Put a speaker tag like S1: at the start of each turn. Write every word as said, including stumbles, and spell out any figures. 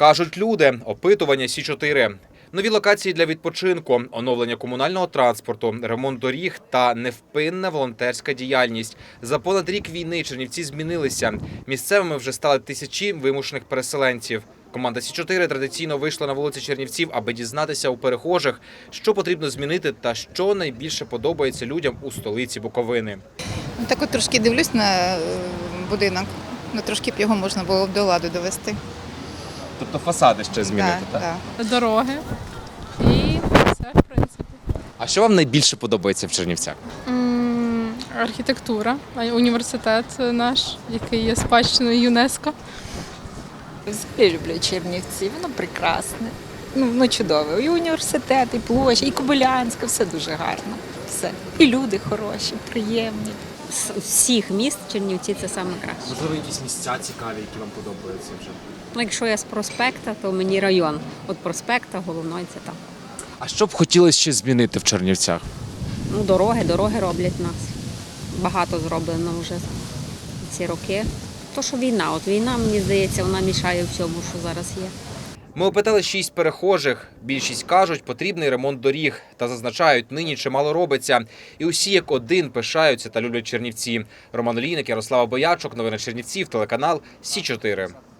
S1: Кажуть люди, опитування Сі чотири. Нові локації для відпочинку, оновлення комунального транспорту, ремонт доріг та невпинна волонтерська діяльність. За понад рік війни Чернівці змінилися. Місцевими вже стали тисячі вимушених переселенців. Команда Сі чотири традиційно вийшла на вулиці Чернівців, аби дізнатися у перехожих, що потрібно змінити та що найбільше подобається людям у столиці Буковини.
S2: Так от трошки дивлюсь на будинок, ну трошки б його можна було б до ладу довести.
S1: Тобто фасади ще змінити,
S2: так?
S1: так?
S2: Так.
S3: Дороги і все, в принципі.
S1: А що вам найбільше подобається в Чернівцях?
S3: М, Архітектура, а й університет наш, який є спадщиною ЮНЕСКО.
S4: Я люблю Чернівці, воно прекрасне, ну, ну чудове. І університет, і площа, і Кобилянська, все дуже гарно. Все. І люди хороші, приємні.
S5: З всіх міст Чернівці це саме краще.
S1: Можливо, якісь місця цікаві, які вам подобаються вже?
S5: Ну, якщо я з проспекта, то мені район. От проспекта головної це там.
S1: А що б хотілося ще змінити в Чернівцях?
S5: Ну, дороги, дороги роблять нас. Багато зроблено вже ці роки. То, що війна, от війна, мені здається, вона мішає всьому, що зараз є.
S1: Ми опитали шість перехожих. Більшість кажуть, потрібний ремонт доріг. Та зазначають, нині чимало робиться. І усі як один пишаються та люблять Чернівці. Роман Олійник, Ярослава Боячок. Новини Чернівців, телеканал Сі чотири.